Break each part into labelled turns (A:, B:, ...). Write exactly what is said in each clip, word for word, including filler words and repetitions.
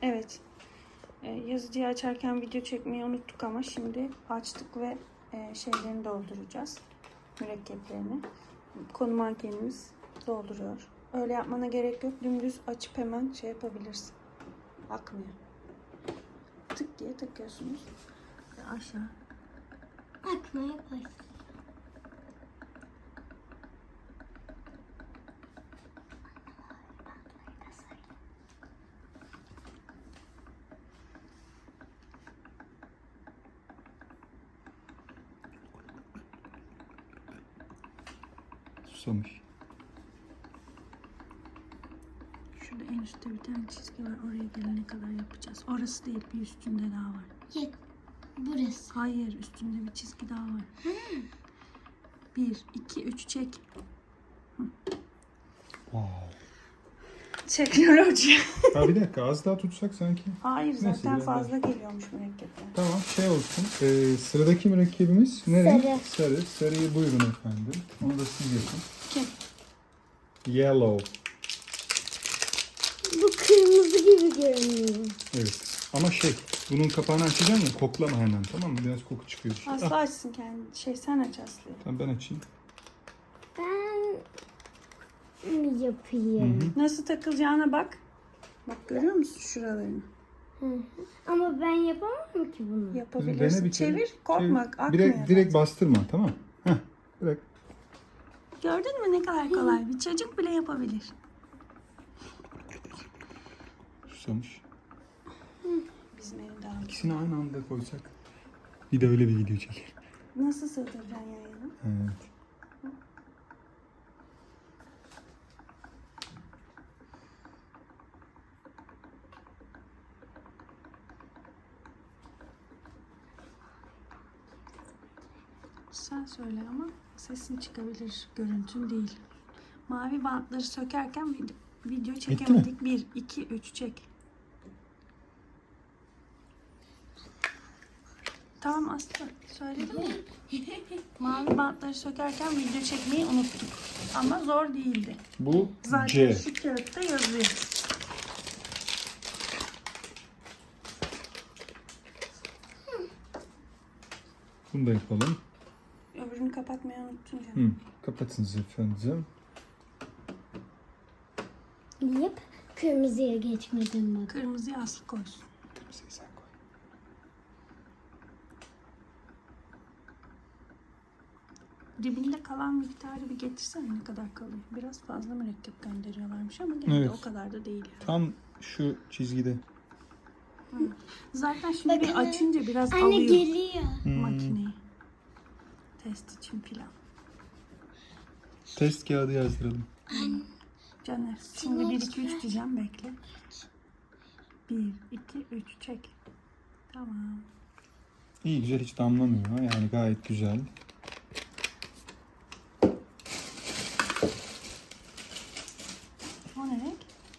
A: Evet. Ee, yazıcıyı açarken video çekmeyi unuttuk ama şimdi açtık ve e, şeylerini dolduracağız. Mürekkeplerini. Konu mankenimiz dolduruyor. Öyle yapmana gerek yok. Dümdüz açıp hemen şey yapabilirsin. Akmıyor. Tık diye takıyorsunuz. Ve aşağı.
B: Akmaya başladı.
C: Susamış.
A: Şurada en üstte bir tane çizgi var. Oraya gelene kadar yapacağız. Orası değil, bir üstünde daha var.
B: Ya, burası.
A: Hayır, üstünde bir çizgi daha var. Bir, iki, üç çek.
C: Wow.
A: Teknoloji.
C: Ha bir dakika az daha tutsak sanki.
A: Hayır,
C: Neyse,
A: zaten
C: biraz
A: fazla geliyormuş mürekkepler.
C: Tamam şey olsun. Ee, sıradaki mürekkebimiz ne renk?
B: Sarı.
C: Sarı. Sarıyı buyurun efendim. Onu da siz yapın.
A: Kim?
C: Yellow.
B: Bu kırmızı gibi görünüyor.
C: Evet. Ama şey bunun kapağını açacaksın ya koklama hemen tamam mı? Biraz koku çıkıyor.
A: Aslı
C: Ah,
A: açsın kendi. Şey sen aç Aslı'yı.
C: tamam ben açayım.
B: Ben mi yapayım?
C: Hı hı.
A: Nasıl takılacağına bak. Bak görüyor musun şuralarını?
B: Hı hı. Ama ben yapamam ki bunu.
A: Yapabilirsin.
C: Dene bir kere.
A: Çevir. Korkma.
C: Çevir.
A: Akmıyor.
C: Direkt, direkt
A: zaten.
C: bastırma tamam. Heh, bırak.
A: Gördün mü ne kadar kolay? Bir çocuk bile yapabilir.
C: Susamış.
A: Bizim evde aldık.
C: İkisini aynı anda koysak. Bir de öyle bir video çekelim.
A: Nasıl sığdıracaksın yayını?
C: Evet.
A: Sen söyle ama sesin çıkabilir. Görüntün değil. Mavi bantları sökerken video, video çekemedik. Bir, iki, üç çek. Tamam Aslı. Söyledim mi? Mavi bantları sökerken video çekmeyi unuttuk. Ama zor değildi.
C: Bu
A: Zaten
C: C.
A: şu kağıtta yazıyor.
C: Bunu da yapalım.
A: Öbürünü kapatmayı unuttun canım.
C: Hı. Kapatınız efendim.
B: Yap. Kırmızıya geçmedim bak.
A: Kırmızıyı Aslı koysun.
C: Kırmızıyı sen koy.
A: Dibinde kalan miktarı bir getirsene ne kadar kalıyor. Biraz fazla mürekkep gönderiyorlarmış ama gene de
C: Evet.
A: o kadar da değil. Yani.
C: Tam şu çizgide.
A: Zaten şimdi bir
B: Bakın.
A: açınca biraz
B: Anne
A: alıyor
B: geliyor.
A: makineyi. Test için filan.
C: Test kağıdı yazdıralım.
A: Caner şimdi bir iki üç diyeceğim bekle. bir iki üç çek. Tamam.
C: İyi güzel hiç damlamıyor. Yani gayet güzel.
A: O ne renk?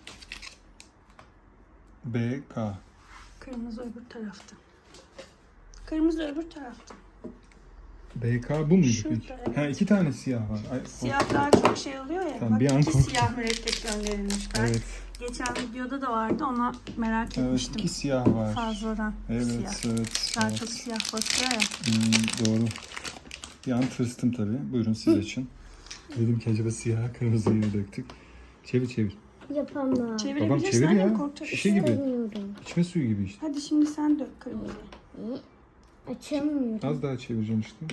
C: B, K.
A: Kırmızı öbür tarafta. Kırmızı öbür tarafta.
C: B, K bu muydu
A: Şurada,
C: peki?
A: evet.
C: Ha iki tane siyah var. Ay,
A: Siyah daha çok şey oluyor ya.
C: Tamam,
A: Bak
C: bir an
A: iki
C: korktum.
A: siyah mürekkep gönderilmiş. Ben
C: Evet.
A: geçen videoda da vardı ona merak
C: Evet
A: etmiştim.
C: iki siyah var.
A: Fazladan
C: Evet
A: siyah.
C: evet.
A: Daha
C: evet.
A: çok siyah basıyor ya.
C: Hmm, doğru. Bir an tırstım tabii. Buyurun siz açın. Dedim ki acaba siyah kırmızıyı mı döktük? Çevir çevir.
B: Yapamam.
C: Babam
A: Çevirebilirsin
C: çevir
A: annem
C: ya.
A: korkacak.
C: Şişe gibi.
B: İstemiyorum.
C: İçme suyu gibi işte.
A: Hadi şimdi sen dök kırmızıyı.
B: Açamıyorum.
C: Az daha çevireceğim işte.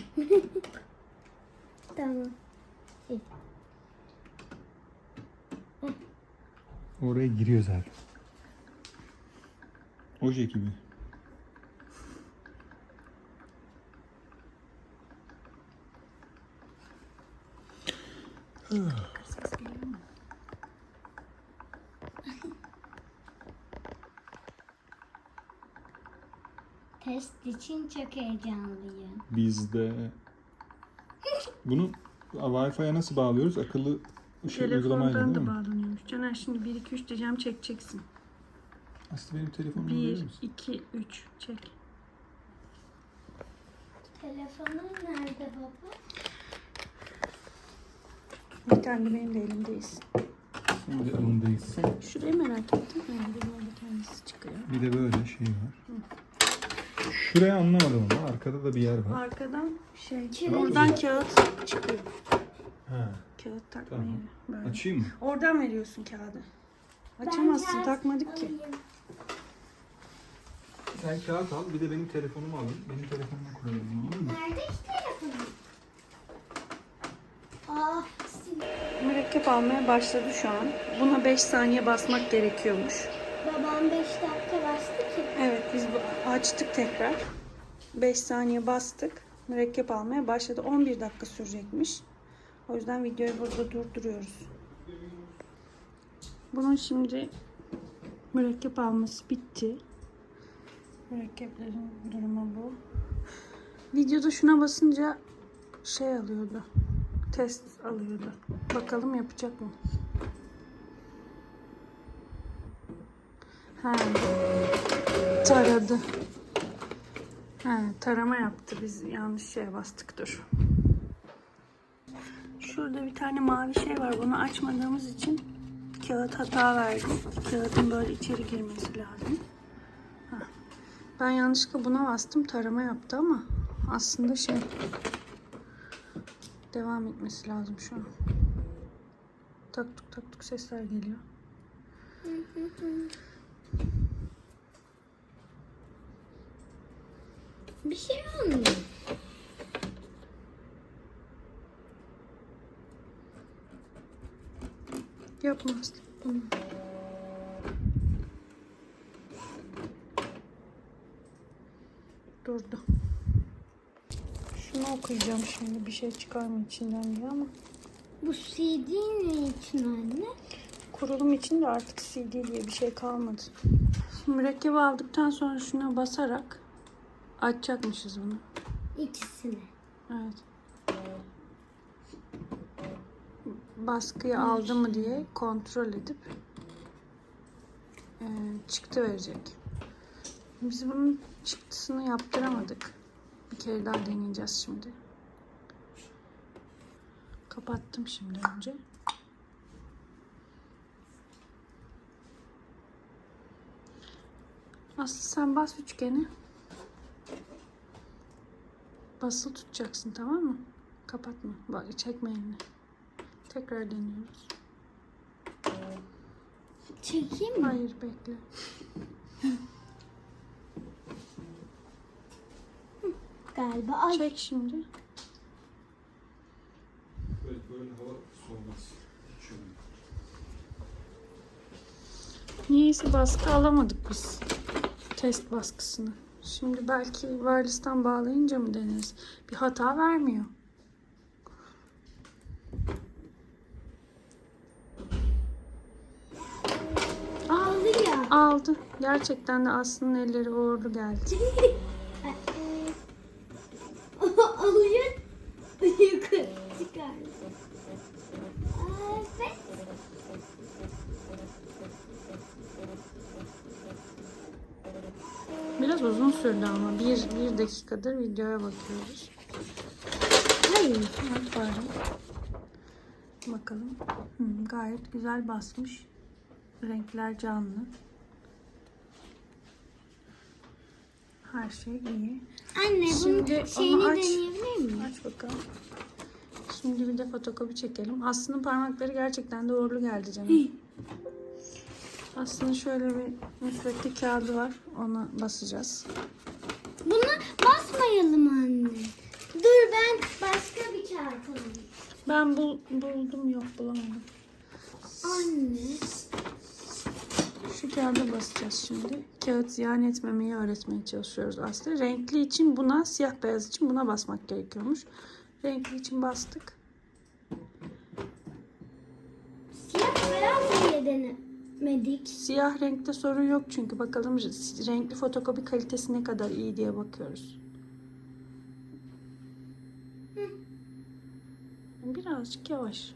B: Tamam.
C: Oraya giriyor zaten. Oje gibi.
A: Ses geliyor mu?
B: Test için çok heyecanlıyım.
C: Biz de bunu Wi-Fi'ye nasıl bağlıyoruz? Akıllı ışık uygulamayla
A: Telefondan
C: değil
A: da
C: mi?
A: bağlanıyormuş. Caner şimdi bir iki üç diyeceğim çekeceksin.
C: Aslında benim telefonumu verir
A: bir
C: misin?
A: iki üç çek.
B: Telefonun nerede baba?
A: Bir tane de benim de elimdeyiz.
C: Şimdi alındayız.
A: Şurayı merak ettim. Nerede böyle kendisi çıkıyor.
C: Bir de böyle şey var. Şuraya anlamadım ama arkada da bir yer var.
A: Arkadan şey,
B: Kağıt.
A: oradan kağıt çıkıyor.
C: Ha.
A: Kağıt takma
C: Tamam.
A: yeri. Böyle.
C: Açayım mı?
A: Oradan veriyorsun kağıdı. Açamazsın,
B: kağıt
A: takmadık ki.
B: alayım.
C: Sen kağıt al, bir de benim telefonumu alın. Benim telefonuma koyalım, olur mu?
B: Nerede ki telefonum? Ah, sil-
A: Mürekkep almaya başladı şu an. Buna beş saniye basmak gerekiyormuş.
B: babam beş dakika bastı ki.
A: Evet, biz bu- açtık tekrar. beş saniye bastık. Mürekkep almaya başladı. on bir dakika sürecekmiş. O yüzden videoyu burada durduruyoruz. Bunun şimdi mürekkep alması bitti. Mürekkeplerin durumu bu. Videoda şuna basınca şey alıyordu. Test alıyordu. Bakalım yapacak mı? Ha. Taradı. Ha, tarama yaptı. Biz yanlış şeye bastık. Dur. Şurada bir tane mavi şey var. Bunu açmadığımız için kağıt hata verdi. Kağıdın böyle içeri girmesi lazım. Ha. Ben yanlışlıkla buna bastım. Tarama yaptı ama aslında şey devam etmesi lazım şu an. Tak tuk tak tuk sesler geliyor.
B: Bir şey olmuyor.
A: Yapmaz. Tamam. Durdu. Şunu okuyacağım şimdi. Bir şey çıkar mı içinden diye ama.
B: Bu C D ne için anne?
A: Kurulum için de artık C D diye bir şey kalmadı. Şimdi mürekkebi aldıktan sonra şuna basarak açacakmışız bunu.
B: İkisini.
A: Evet. Baskıyı aldı mı diye kontrol edip e, çıktı verecek. Biz bunun çıktısını yaptıramadık. Bir kere daha deneyeceğiz şimdi. Kapattım şimdi önce. Aslı sen bas üçgeni. Basılı tutacaksın, tamam mı? Kapatma. Bak, çekme elini. Tekrar deniyoruz.
B: Çekeyim mi?
A: Hayır, bekle.
B: Galiba. Ay.
A: Çek şimdi.
C: Böyle, böyle hava soğumaz.
A: Niyeyse baskı alamadık biz. Test baskısını. Şimdi belki wireless'tan bağlayınca mı deneriz? Bir hata vermiyor.
B: Aldı ya.
A: Aldı. Gerçekten de Aslı'nın elleri uğurlu geldi.
B: Alıyor. Yukarı çıkardı. Evet.
A: Biraz uzun sürdü ama. Bir, bir dakikadır videoya bakıyoruz.
B: Hayır.
A: Evet, pardon. Bakalım. Hı, gayet güzel basmış. Renkler canlı. Her şey iyi.
B: Anne
A: Şimdi
B: bunun
A: onu
B: şeyini
A: aç.
B: deneyebilir miyim?
A: Aç bakalım. Şimdi bir de fotokopi çekelim. Aslı'nın parmakları gerçekten de uğurlu geldi canım. Aslı'nın şöyle bir müsvedde kağıdı var. Ona basacağız.
B: Buna basmayalım anne. Dur ben başka bir kağıt alayım.
A: Ben bul, buldum, yok bulamadım.
B: Anne.
A: Şu kağıda basacağız şimdi. Kağıt ziyan etmemeyi öğretmeye çalışıyoruz aslında. Renkli için buna, siyah beyaz için buna basmak gerekiyormuş. Renkli için bastık.
B: Siyah beyaz niye denemedik?
A: Siyah renkte sorun yok çünkü. Bakalım renkli fotokopi kalitesi ne kadar iyi diye bakıyoruz. Birazcık yavaş.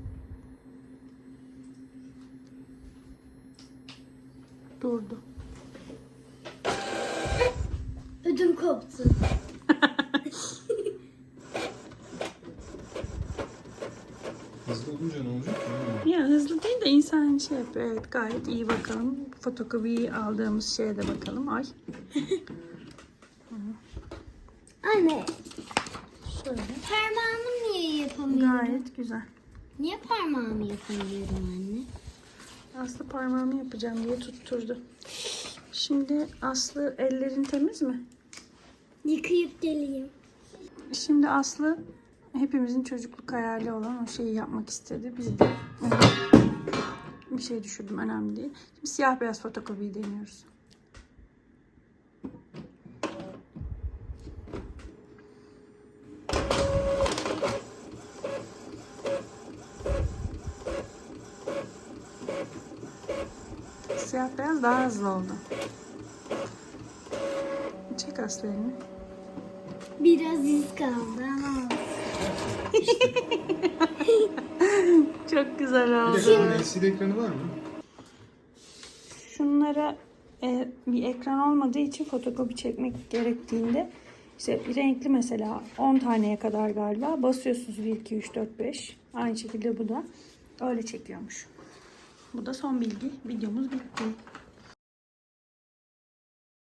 A: Durdu.
B: Ödüm koptu.
C: Hızlı olunca ne olacak?
A: Ya hızlı değil de insan Yani şey yapıyor, evet, gayet iyi. Bakalım fotokopiyi aldığımız şeye de bakalım. Ay.
B: Anne,
A: Şöyle.
B: parmağımı niye yapamıyorum?
A: Gayet güzel.
B: Niye parmağımı yapamıyorum anne?
A: Aslı parmağımı yapacağım diye tutturdu. Şimdi Aslı, ellerin temiz mi?
B: Yıkayıp geleyim.
A: Şimdi Aslı hepimizin çocukluk hayali olan o şeyi yapmak istedi. Biz de bir şey düşürdüm, önemli değil. Şimdi siyah beyaz fotokopiyi deniyoruz. Siyah beyaz daha hızlı oldu. Çek Aslı elini.
B: Biraz iz kaldı ama.
A: Çok güzel oldu.
C: L C D ekranı var mı?
A: Şunlara e, bir ekran olmadığı için fotokopi çekmek gerektiğinde işte renkli, mesela on taneye kadar galiba basıyorsunuz, bir iki üç dört beş, aynı şekilde bu da öyle çekiyormuş. Bu da son bilgi. Videomuz bitti.